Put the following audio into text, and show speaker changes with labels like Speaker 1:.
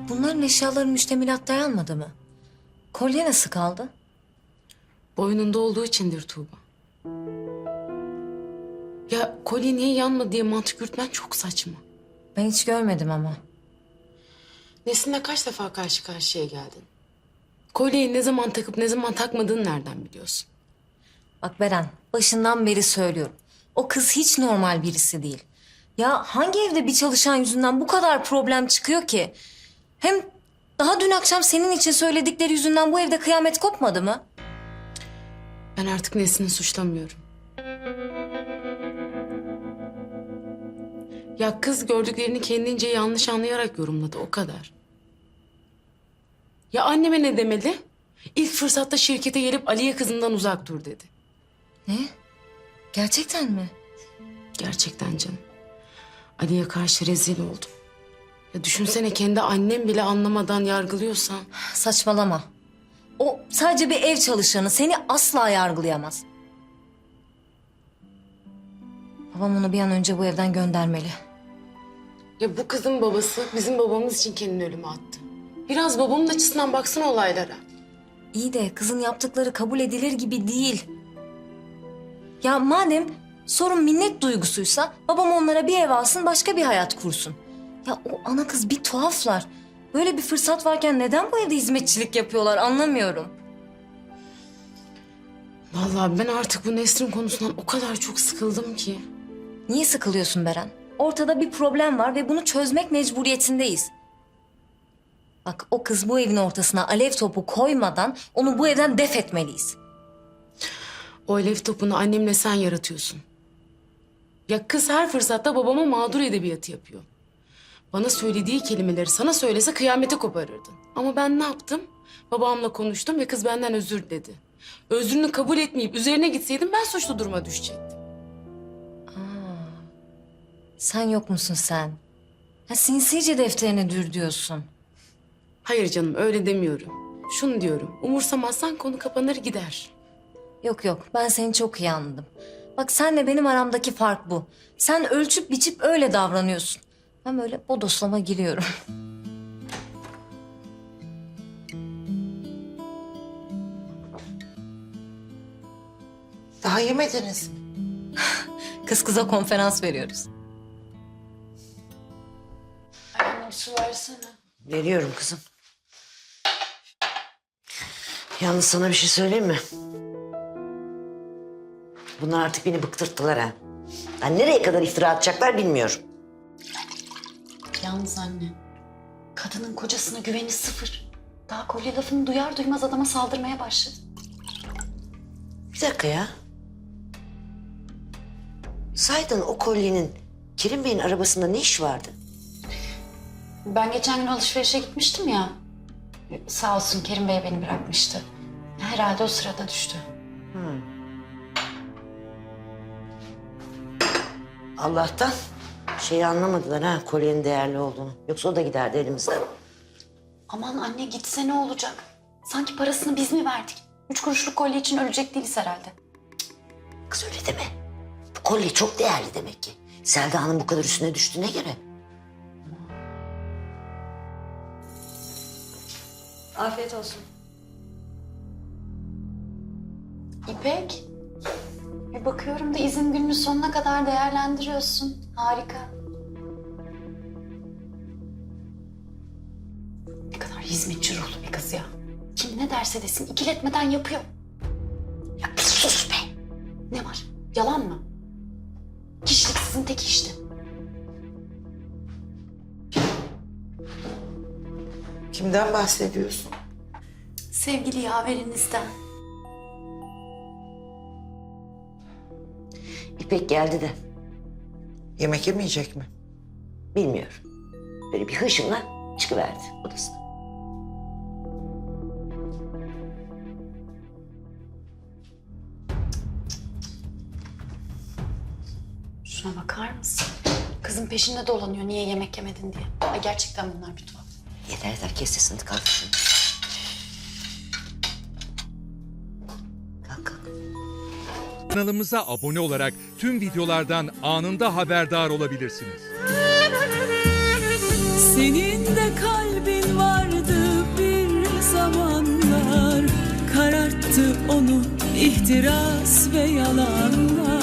Speaker 1: Bunların eşyaları müştemilat dayanmadı mı? Kolye nasıl kaldı?
Speaker 2: Boynunda olduğu içindir Tuğba. Ya kolye niye yanmadı diye mantık yürütmen çok saçma.
Speaker 1: Ben hiç görmedim ama.
Speaker 2: Nesin'le kaç defa karşı karşıya geldin? Kolyeyi ne zaman takıp ne zaman takmadığını nereden biliyorsun?
Speaker 1: Bak Beren, başından beri söylüyorum. O kız hiç normal birisi değil. Ya hangi evde bir çalışan yüzünden bu kadar problem çıkıyor ki? Hem daha dün akşam senin için söyledikleri yüzünden bu evde kıyamet kopmadı mı?
Speaker 2: Ben artık Nesin'i suçlamıyorum. Ya kız gördüklerini kendince yanlış anlayarak yorumladı, o kadar. Ya anneme ne demeli? İlk fırsatta şirkete gelip Aliye kızından uzak dur dedi.
Speaker 1: Ne? Gerçekten mi?
Speaker 2: Gerçekten canım. Ali'ye karşı rezil oldum. Ya düşünsene, kendi annem bile anlamadan yargılıyorsa.
Speaker 1: Saçmalama. O sadece bir ev çalışanı. Seni asla yargılayamaz. Babam onu bir an önce bu evden göndermeli.
Speaker 2: Ya bu kızın babası bizim babamız için kendini ölüme attı. Biraz babamın açısından baksana olaylara.
Speaker 1: İyi de kızın yaptıkları kabul edilir gibi değil. Ya madem sorun minnet duygusuysa babam onlara bir ev alsın, başka bir hayat kursun. Ya o ana kız bir tuhaflar. Böyle bir fırsat varken neden bu evde hizmetçilik yapıyorlar anlamıyorum.
Speaker 2: Vallahi ben artık bu Nesrin konusundan o kadar çok sıkıldım ki.
Speaker 1: Niye sıkılıyorsun Beren? Ortada bir problem var ve bunu çözmek mecburiyetindeyiz. Bak o kız bu evin ortasına alev topu koymadan onu bu evden def etmeliyiz.
Speaker 2: O alev topunu annemle sen yaratıyorsun. Ya kız her fırsatta babama mağdur edebiyatı yapıyor. Bana söylediği kelimeleri sana söylese kıyamete koparırdın. Ama ben ne yaptım? Babamla konuştum ve kız benden özür diledi. Özrünü kabul etmeyip üzerine gitseydim ben suçlu duruma düşecektim.
Speaker 1: Sen yok musun sen? Ha, sinsice defterine dür diyorsun.
Speaker 2: Hayır canım, öyle demiyorum. Şunu diyorum, umursamazsan konu kapanır gider.
Speaker 1: Yok yok, ben seni çok iyi anladım. Bak senle benim aramdaki fark bu. Sen ölçüp biçip öyle davranıyorsun. Ben böyle bodoslama giriyorum.
Speaker 3: Daha yemediniz mi?
Speaker 1: Kız kıza konferans veriyoruz.
Speaker 2: Anne su versene.
Speaker 3: Veriyorum kızım. Yalnız sana bir şey söyleyeyim mi? Bunlar artık beni bıktırttılar ha. Yani nereye kadar iftira atacaklar bilmiyorum.
Speaker 4: Yalnız anne, kadının kocasına güveni sıfır. Daha kolye lafını duyar duymaz adama saldırmaya başladı.
Speaker 3: Bir dakika ya. Sahiden o kolyenin Kerim Bey'in arabasında ne iş vardı?
Speaker 4: Ben geçen gün alışverişe gitmiştim ya. Sağ olsun Kerim Bey beni bırakmıştı. Herhalde o sırada düştü.
Speaker 3: Allah'tan şeyi anlamadılar ha, kolyenin değerli olduğunu. Yoksa o da giderdi elimizden.
Speaker 4: Aman anne gitse ne olacak? Sanki parasını biz mi verdik? 3 kuruşluk kolye için ölecek değiliz herhalde.
Speaker 3: Kız öyle deme. Bu kolye çok değerli demek ki. Selda Hanım bu kadar üstüne düştüğüne göre.
Speaker 1: Afiyet olsun.
Speaker 4: İpek, bir bakıyorum da izin gününü sonuna kadar değerlendiriyorsun. Harika. Ne kadar hizmetçi ruhlu bir kız ya. Kim ne derse desin ikiletmeden yapıyor.
Speaker 3: Ya bir sus be.
Speaker 4: Ne var? Yalan mı? Kişiliksizin tek işte.
Speaker 3: Kimden bahsediyorsun?
Speaker 4: Sevgili yaverinizden.
Speaker 3: İpek geldi de
Speaker 5: Yemek yemeyecek mi?
Speaker 3: bilmiyorum. Böyle bir hışımla çıkıverdi odasına.
Speaker 4: Şuna bakar mısın? Kızın peşinde dolanıyor niye yemek yemedin diye. Ay gerçekten bunlar bir tuhaf.
Speaker 3: Yeter yeter, kes sesini, kalk şimdi. Kalk kalk.
Speaker 6: Kanalımıza abone olarak tüm videolardan anında haberdar olabilirsiniz.
Speaker 7: Senin de kalbin Bastı onu ihtiras ve yalanlar.